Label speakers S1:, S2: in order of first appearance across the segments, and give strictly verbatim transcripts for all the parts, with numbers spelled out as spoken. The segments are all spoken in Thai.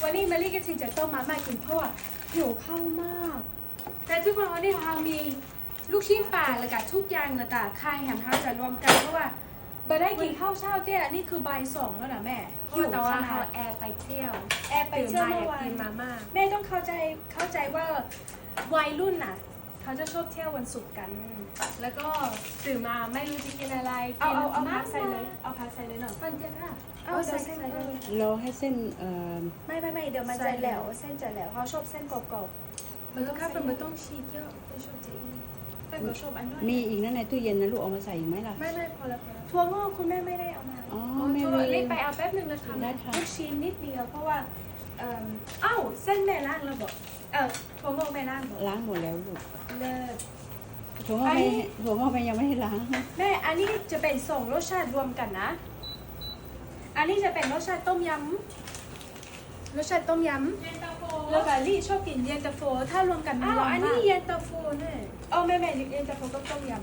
S1: วันนี้มารีก็จะต้มมาม่ากินเพราะว่าหิวข้าวมากแต่ทุกคนวันนี้เรามีลูกชิ้นปลาแล้วก็ทุกอย่างแล้วก็ไข่แฮมเฮาจะรวมกันเพราะว่าบ่ได้กินข้าวเช้าเตี้ยนี่คือบ่ายสองแล้วนะแม่หิว
S2: แต่ว่า
S1: ขนา
S2: เขา
S1: ด
S2: แอร์ไปเที่ยว
S1: แอบไปเที่ยวเมื่อวาน
S2: กินมาม่า
S1: แม่ต้องเข้าใจเข้าใจว่าวัยรุ่นน่ะเขาจะชอบเที่ยววันศุกร์กัน แล้วก็
S2: ตื่นมาไม่รู้จะกินอะไร
S1: เอาเอาเอา
S2: กิน
S1: พักใส่เลย
S2: มา
S1: เอาพักใส่เลยหน่อย
S2: ฟันเจ็บอ่ะ
S1: เอาใส่ใส่เลย
S3: รอให้เส้นเอ่อ
S1: ไม่ไม่ไม่เดี๋ยวมันจะแหลวเส้นจะแหลวเขาชอบเส้นกรอบๆ
S2: มันต้องข้าวเป็นมันต้องชีสเยอะไม่ชอบจริง
S1: แต่ก็ชอบอันน้อย
S3: มีอีกนะในตู้เย็นนะลูกเอามาใส่อีกไหมล่ะ
S1: ไม่ไม่พอแล้วพอแล้วถั่วงอกคุณแม่ไม่ได้เอามา
S3: อ๋อ
S2: อ๋อ
S3: แม่
S2: โทร
S3: ลื
S2: รีบ
S3: ม
S2: ไปเอาแป๊บหนึ่งนะคะ
S3: ได้ค่ะ
S1: ลูกชิ้นนิดเดียวเพราะว่าเอ่อเอ้าเส้นแม่ล่างเราบอกเออถั่วงอกแม่ล่างบอก
S3: ล้างหมดแล้วลูก
S1: เลิศ
S3: ถั่วงอก
S1: อัน
S3: ไม่
S1: นี้
S3: ถั่วงอกไม่ยังไม่ได้ล้าง
S1: แม่อันนี้จะเป็นสองรสชาติรวมกันนะ อันนี้จะเป็นรสชาติต้มยำรสชาติต้มยำ
S2: เย็นตาโฟ
S1: แล้วก็ลี่ชอบกินเย็นตาโฟถ้ารวมกันมัน
S2: อ้าว
S1: หวาน
S2: อัน
S1: มา
S2: นี้
S1: ก
S2: เย็นตาโฟเนี่ย
S1: เอาแม่แม่เย็นตาโฟก็ต้มยำ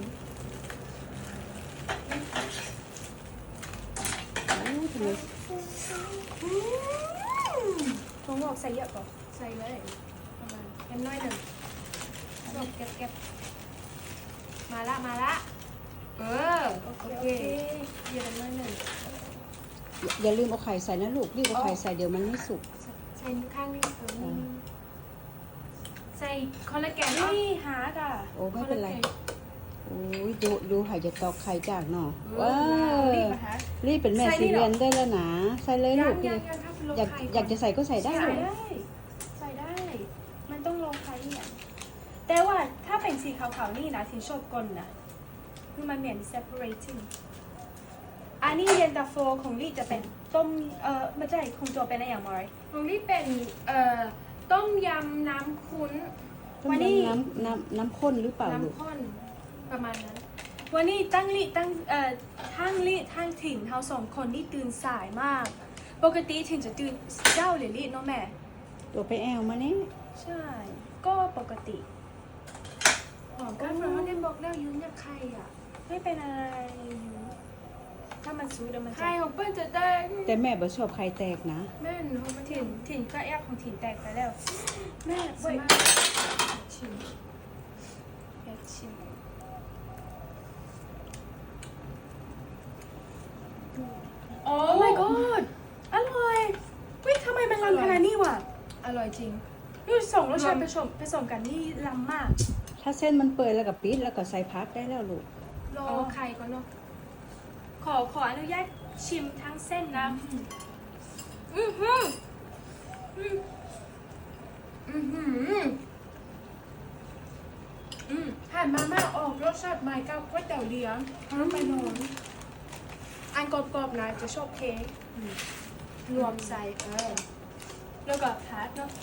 S3: โอ้ทำไม
S1: อืมถั่วงอกใส่เยอะป่ะ
S2: ใส่เลยประมาณแค่น้อยหนึ่งจบเก็บเก็บมาละมาละเออ
S1: โอเค
S2: โอ
S1: โอ
S2: เค
S1: เค
S2: เย็นน้อยหนึ่ง
S3: อย่าลืมเอาไข่ใส่นะลูกรีบเอาไข่ใส่เดี๋ยวมันไม่สุก
S2: ใส่ข้างนี้เออนี่ใส่คอลลาเจน
S1: นี่หาก่ะ
S3: โอ้ไม่เป็นไรโอ้ยดูดูไข่จะตอกไข่จากเนาะว้า
S1: รีบ
S3: ว
S1: มาหา
S3: รีบเป็นแม่
S1: ใส่
S3: สี
S1: นี่เหรอ
S3: เรียนได้แล้วนะใส่เลย
S2: ยั
S3: ลู
S2: ง
S3: ก
S2: ยังยังครับลง
S3: อยาก
S2: ไข่
S3: อยากจะใส่ก็ใส่ได้
S1: ใส่
S3: ลูก
S1: ได้ ใส่ได้ มันต้องลงไข่เนี่ยแต่ว่าถ้าเป็นสีขาวๆนี่นะที่ชอบกลนนะคือมันเหมือน separating อันนี้เย็นตาโฟของลี่จะเป็นต้มเอ่อไม่ใช่คงตัวเป็นอะไรอย่างไร
S2: ของนี่เป็นเอ่อต้มยำน้ำคุ้น
S1: วันนี้
S3: น้ำน้ำน้ำข้นหรือเปล่าลูก
S2: น้ำข้นประมาณนั้น
S1: วันนี้ตั้งลี่ตั้งเอ่อทั้งลี่ทั้งถิ่นเขาสองคนนี่ตื่นสายมาก ปกติถิ่นจะตื่นเจ้าหรือลี่เนาะแม่
S3: ตัวไปแอลมาเนี่ย
S1: ใช่ ก็ปกติ
S2: หอมกันเพราะว่าได้บอกแล้วยืนยับไข่อ่ะ
S1: ไม่เป็นอะไรอยู่ถ้ามันซูดแล้วมันจะ
S2: ไข่ของเปิ้ลจะได้
S3: แต่แม่บ่ชอบไข่แตกนะ
S2: แม่นเขาไม่
S1: ถิ่
S2: ถิ่
S1: น
S2: น
S1: ถิ่นก็แอบของถิ่นแตกไปแล้ว แม่
S2: ส
S1: เว้ย
S2: มาชิม
S1: อยากชิม
S2: โอ้
S1: โอ้ my god อร่อยเฮ้ยทำไมมันล้ำขนาดนี้วะ
S2: อร่อยจริง
S1: นี่สองรสชาติผสมผสมกันนี่ล้ำมาก
S3: ถ้าเส้นมันเปื่อยแล้วก็ปิดแล้วก็ใส่พักได้แล้วลูก
S2: รอไข่ก่อนเนาะ
S1: ขอขออนุญาตชิมทั้งเส้นนะ
S2: อือหืออืออือหืออืมผ่านมาม่าออกรสชาติใหม่กับก๋วยเตี๋ยวเลี้ยงน้ำไปนอน
S1: อันกรอบๆนะจะชอบเค้กรวมใส่เออแล้วก็พัดเนาะ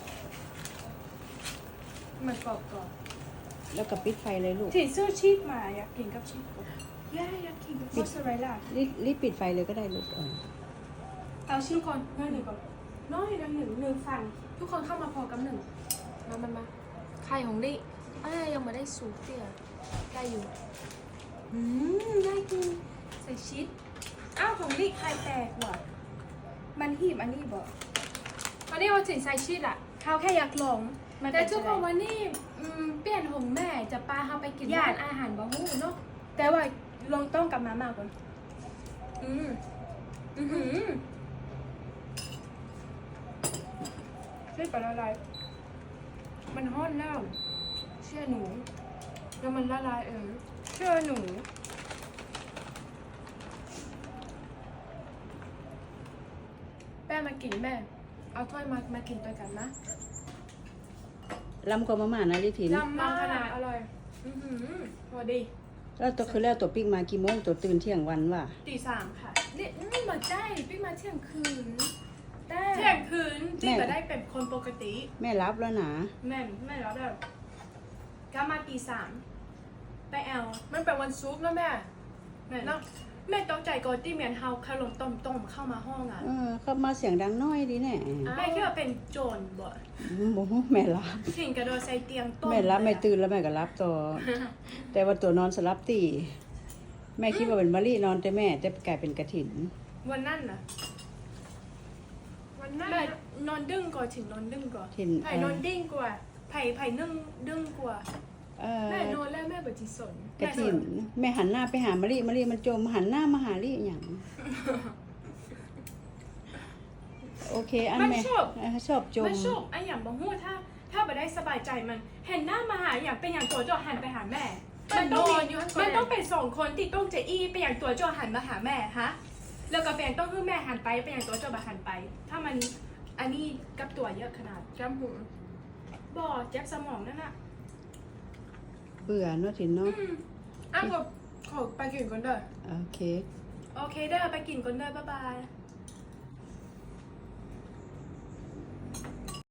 S2: มันกรอบกรอบ
S3: แล้วก็ปิดไฟเลยลูก
S1: ถิ่นซื้อชีสมาอยากกินกับชีสย่าอยากกินกับมอสซาเรลล่า
S3: รีบรีบปิดไฟเลยก็ได้ลูกเออ
S1: เอาชีสก่อนน้อยหนึ่งก่อนน้อยหนึ่งหนึ่งหนึ่งฝั่ง
S2: ทุกคนเข้ามาพอกับหนึ่งมามามาไข่ของดิอ่ายังไม่ได้สูตรเตี้ยได้อยู่
S1: อืมได้กินใส่ชีสอ้าวของลี่ไข่แตกว่ะมันหีบอันนี้บอก
S2: วันนี้เอาสินใส่ชีสอ่ะ
S1: เขาแค่อยากลองมัน
S2: แต่
S1: เป็น
S2: ทุกคน
S1: จะได้
S2: วันนี้อืมเปลี่ยนของแม่จะปลาเขาไปกิน
S1: ย่า
S2: ร้านอาหารบะฮู้เนาะ
S1: แต่ว่าลองต้องกับมาม่าก่อน
S2: อืมอือหือ
S1: ช่วยปละลาย
S2: มันฮ้อนแล้วเชื่อหนูแล้วมันละลายเออ
S1: เชื่อหนูแม่มากินแม่
S2: เอาถ้วยมามากินด้วยกันนะ
S3: ลำกว่ามาม่านะลิถิน
S2: ลำมากขนาดอร่อยอือหือพอดี
S3: แล้วตัวคือแล้วตัวปิ๊กมากี่โมงตัวตื่นเที่ยงวันว่ะ
S1: ตีสามค่ะ
S2: นี่อืมมาใจพี่มาเที่ยงคืน
S1: แต่
S2: เที่ยงคืนที่จะได้เป็นคนปกติ
S3: แม่รับแล้วนะ
S1: แม่แม่แล้วแบบก็มาตีสามไปแอล
S2: มันเป็นวันซุปนะแม่
S1: แม่
S2: แล้วแม่ต้องใจก่อนที่เมียนเฮาคารมต้มต้มเข้ามาห้องอ่ะ
S3: เออเข้ามาเสียงดังน้อยดีแน่
S1: แม่คิดว่าเป็นโจรบ่
S3: โอ้โหแม่รับ
S1: ถิ่นกระโดดใส่เตียงต้ม
S3: แม่รับไม่ตื่นแล้วแม่ก็รับต่อ แต่ว่าตัวนอนสลับตีแม่คิดว่าเป็นมะลินอนแต่แม่แต่กลายเป็นกระถิน
S2: วันนั้นนะวันนั้น
S1: แม่
S2: น่ะอื
S1: นอนดึงก่อนถึงนอนดึงก่อน
S3: ถิ่น
S1: ไผ่
S3: เอ่อน
S1: อนดิ้งกว่าไผ่ไผ่นึ่งดึงกว่า
S3: เอ่อ
S1: แม่นอนแล้วแม่บ่จิสน
S3: กระถินแม่หันหน้าไปหามะลิมะลิมันจมหันหน้ามาหาลิอย่างโอเคอัน
S1: มัน
S3: แม่
S1: ชอบ
S3: เออชอบจม
S1: มันชอบไอ้อย่างบ่ฮู้ถ้า ถ้าบ่ได้สบายใจมันเห็นหน้ามาหาอย่างเป็นอย่างตัวจ่อหันไปหาแม่ มันต้องมีมันต้องเป็นสองคนที่ต้องจะอี้เป็นอย่างตัวจ่อหันมาหาแม่ฮะแล้วก็เป็นอย่างต้องให้แม่หันไปเป็นอย่างตัวจ่อบ่หันไป ถ้ามันอันนี้กับตัวเยอะขนาด
S2: จำหู
S1: บ่เจ็บสมองนั่นน่ะ
S3: เบื่อเนาะถิ่นเนาะ
S1: อืม
S2: อ้าวขอขอไปกินก่อนเด้อ
S3: โอเค
S1: โอเคเด้อไปกินก่อนเด้อบ๊ายบาย